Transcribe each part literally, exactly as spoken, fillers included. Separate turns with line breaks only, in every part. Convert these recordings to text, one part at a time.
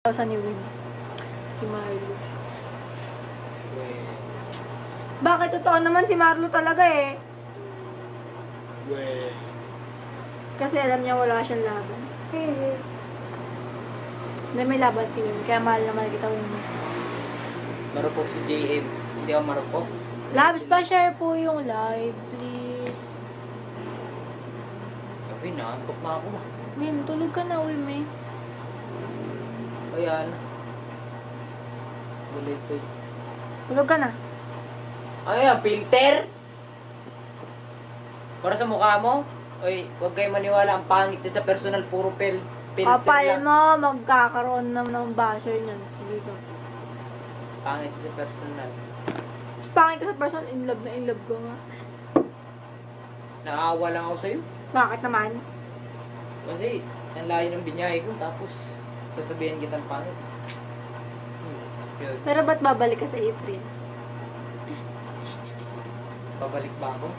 Sa ni Win. Si Marlo. Bakit? Totoo naman si Marlo talaga eh.
We.
Kasi alam niya wala siyang laban. Hindi may laban si Win. Kaya mahal na mahal kita Win.
Marupok si J M. Hindi ako marupok.
Labs pa share po yung live, please.
Gabi na, antok na ako.
Wim, tulog ka na Wim eh.
Ayan. Bulit pa yun.
Tulog ka na.
Ayan, filter! Para sa mukha mo. Oy, huwag kayo maniwala. Ang pangit din sa personal. Puro pel filter
Kapal
lang.
mo, magkakaroon na ng basher niyan. Sige ka.
Pangit sa personal.
Mas pangit ka sa person, in love na in love ko nga.
Naawa lang ako sa'yo.
Bakit naman?
Kasi, ang layo ng binyahe ko. Tapos, sasabihin kitang pangit. Hmm, yun.
Pero ba't babalik ka sa April?
Babalik ba ako?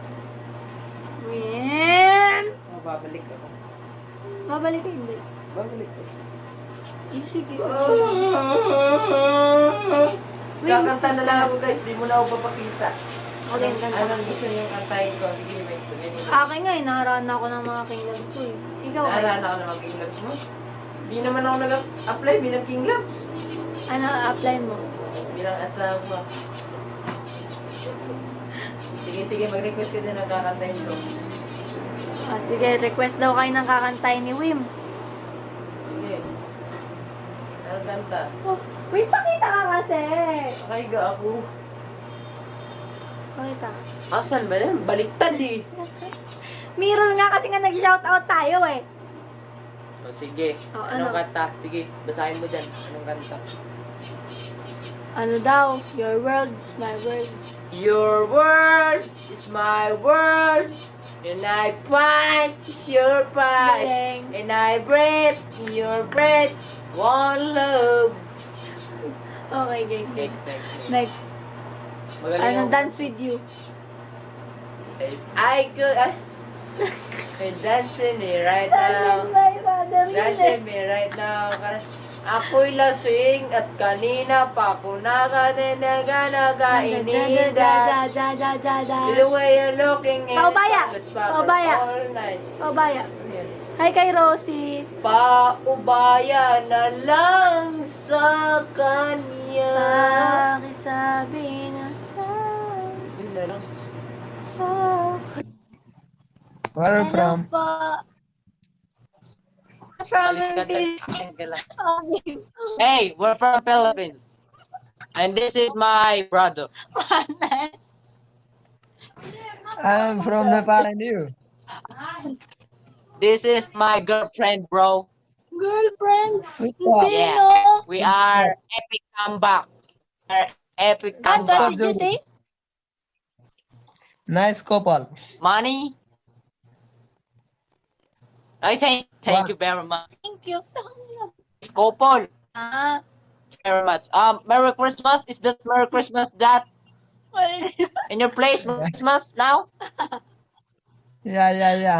Wim!
Oh, babalik ako.
Babalik ka hindi.
Babalik ako.
Eh, sige. Wim,
Kakanta na lang ako guys. Di mo na ako papakita.
Okay,
Anong,
kanta.
anong gusto niyong kantahin ko? Sige, may sabihin mo.
Akin nga eh, naharaan ako ng mga kingdom ko eh. Ikaw eh.
Naalala ako ng mga King Labs mo. Di naman ako nag-apply bilang King Labs.
Ano, apply mo?
Bilang asawa. Sige, sige, mag-request ka din ng kakantahin ko.
Ah, sige, request daw kayo ng kakantay ni Wim.
Sige. Anong kanta?
Oh, Wim, pakita ka kasi!
Nakahiga ako.
Pakita.
Asan ba yan? Baliktad eh.
Mirror nga kasi nga nag-shoutout tayo eh.
O sige.
Oh,
Anong
ano?
kanta? Sige, basahin mo dyan. Anong kanta?
Ano daw? Your world is my world.
Your world is my world. And I fight is your fight.
Galing.
And I breathe your breath. One love.
Okay, game, game.
Next, next, next.
Next.
Magaling
Ano,
ako.
dance with you.
If I could, I, I'm dancing me right now. Dancing me right now. Ako'y lasing at kanina pa ako nakatinaga nagaininda.
Da, da, da, da, da.
The way you're looking at
Paubaya! Paubaya!
all night.
Paubaya. Hi kay Rosie.
Paubaya na lang sa kanya.
Pakisabi na lang
Yun na lang.
sa
Where are you from?
pa.
Alis ka dal- ka lang. Hey, we're from Philippines. And this is my brother.
I'm from Nepal and you.
This is my girlfriend, bro.
Girlfriends.
Super.
Hindi,
Yeah.
no?
We are epic comeback. We're epic
What
comeback.
did you say?
Nice couple.
Money? I thank thank
Wow.
you very much.
Thank you.
Couple.
Ah,
Very much. Um, Merry Christmas. Is that Merry Christmas that
what is
in your place? Merry Christmas now?
Yeah, yeah, yeah.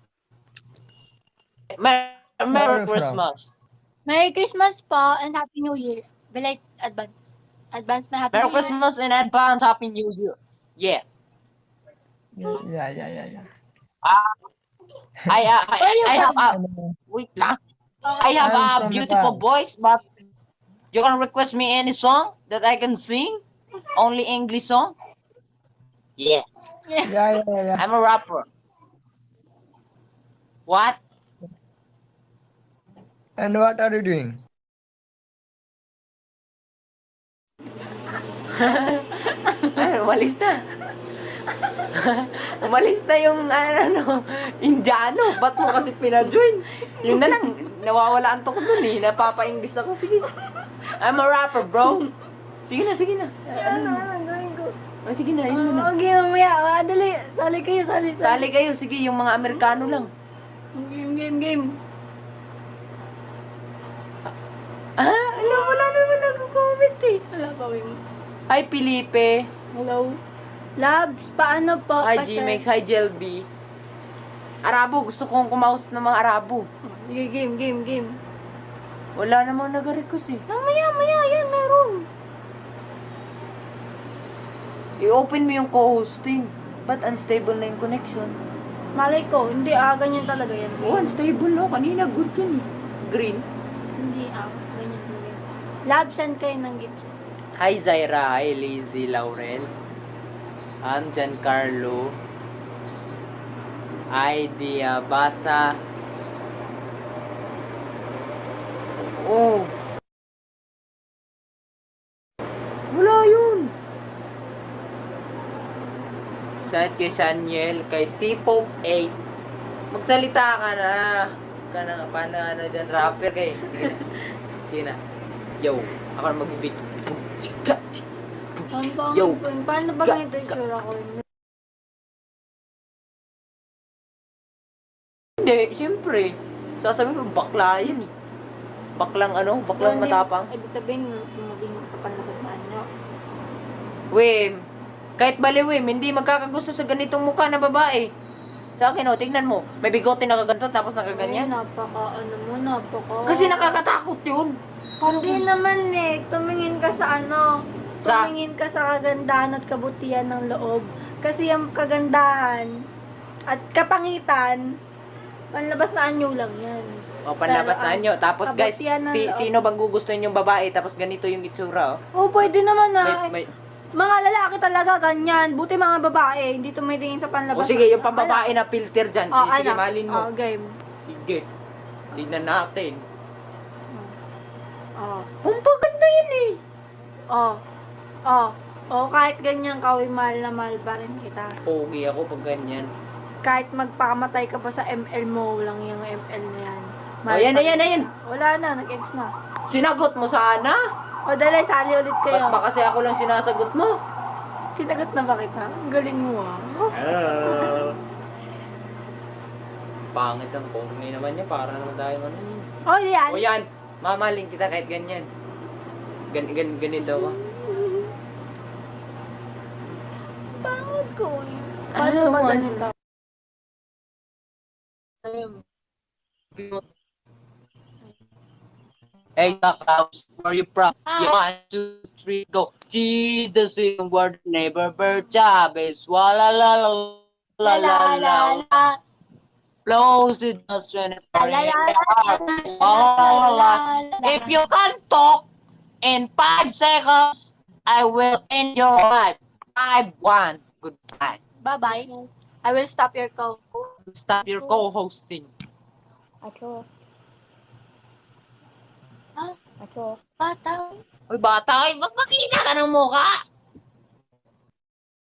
Merry,
Where are
Merry
you from?
Christmas.
Merry Christmas po and Happy New Year. Belated advance. Advance my Happy
Merry
New Year.
Christmas in advance. Happy New Year. Yeah.
Yeah, yeah, yeah, yeah.
Uh, I, uh, I,
Where you
I have a,
Ano,
wait lang. I have
I'm
a
from
beautiful
Nepal.
voice, but you can request me any song that I can sing? Only English song? Yeah.
Yeah, yeah, yeah.
I'm a rapper. What?
And what are you doing?
Ay, umalis na. Umalis na yung ano, Indiano. Ba't mo kasi pina-join? Yun na lang, nawawala ang ko dun eh. Napapa-English ako. Sige. I'm a rapper, bro. Sige na, sige na.
Ano, ano, gawin ko?
Oh, sige na, yun na lang.
Okay, mamaya. Ah, dali. Sali kayo, sali, sali.
Sali kayo, sige, yung mga Amerikano lang.
Game, game, game.
Ah, alam, wala naman nag-comment eh.
Wala pa, Wim.
Hi, Felipe.
Hello. Labs, paano po?
Hi,
Pa-share?
G-Mex. Hi, Jelby. Arabo, gusto kong kumausap ng mga Arabo.
Sige, game, game, game.
Wala namang nag-request eh.
Mamaya, maya, yan, meron.
I-open mo yung co-hosting. Ba't unstable na yung connection?
Malay ko, hindi ah, ganyan talaga yan.
Oh, unstable no. Kanina good yun eh. Green.
Hindi ah, ganyan talaga yan. Lab, send kayo ng gifts.
Hi Zaira, hi Lizzie Laurel. I'm Giancarlo. Idea Basa. Oh. Wala yun. Shout kay Saniel, kay C Pope eight. Magsalita ka na. Ka na, paano ano dyan, rapper kay. Sige na. Sige na. Yo, ako na mag-beat.
Ang pangit
Yo.
ko yun. Paano ba
Ga-
ganito yung tsura ko yun?
Hindi, siyempre. Sasabihin ko, bakla yan eh. Baklang ano, baklang
Hindi-
matapang.
Ibig sabihin, tumabing sa panlabas na anyo.
Wim, kahit bali Wim, hindi magkakagusto sa ganitong mukha na babae. Sa akin, oh, tingnan mo. May bigote na kaganto, tapos
Ay,
nakaganyan.
napaka, ano mo, napaka...
Kasi nakakatakot yun. Paano
Hindi naman eh. Tumingin ka sa ano.
Sa-
Tumingin ka sa kagandahan at kabutihan ng loob. Kasi yung kagandahan at kapangitan, panlabas na anyo lang yan.
O, panlabas
Pero,
na nyo. Tapos guys,
kabutihan ng
si,
loob.
sino bang gugustuhin yung babae? Tapos ganito yung itsura, oh.
Oh, pwede naman ah.
May, may,
Mga lalaki talaga ganyan. Buti mga babae, hindi tumitingin sa panlabas.
o sige, yung pambabae na filter dyan.
Oh,
sige,
ano?
malin mo.
Oh, game.
Sige. Tignan natin.
Oh.
Ang paganda yan eh.
Oh. Oh. Oh, kahit ganyan ka, uy, mahal na mahal pa rin kita.
Pogi ako pag ganyan.
Kahit magpakamatay ka pa sa M L mo, lang yung M L na yan.
O, yan na,
pa
yan na,
rin
yan.
kita. Wala na, nag-ex na.
Sinagot mo sana.
O, dali, sali ulit kayo.
Ba't ba kasi ako lang sinasagot mo?
Kinagot na ba kita? Ang galing mo ah.
Pangit ang pogi naman niya. Para naman tayong ano yun.
Oh, yan.
O yan, mamaling kita kahit ganyan. Gan, gan, ganito ako.
Pangit ko yun.
Ano
Paano ba
mo,
ganito?
Hey, Klaus, where you from?
Hi.
Yeah, one, two, three, go. Cheese the same word, neighbor bird, Chavez, wala la la la la la.
la.
Close it just when it
La, la, la,
If you can talk in five seconds, I will end your life. Five, one, goodbye.
Bye-bye. I will stop your call.
Stop your co-hosting.
Acho. Ha? Acho. Bata.
Uy, bata, ay, ba't makina ka ng mukha?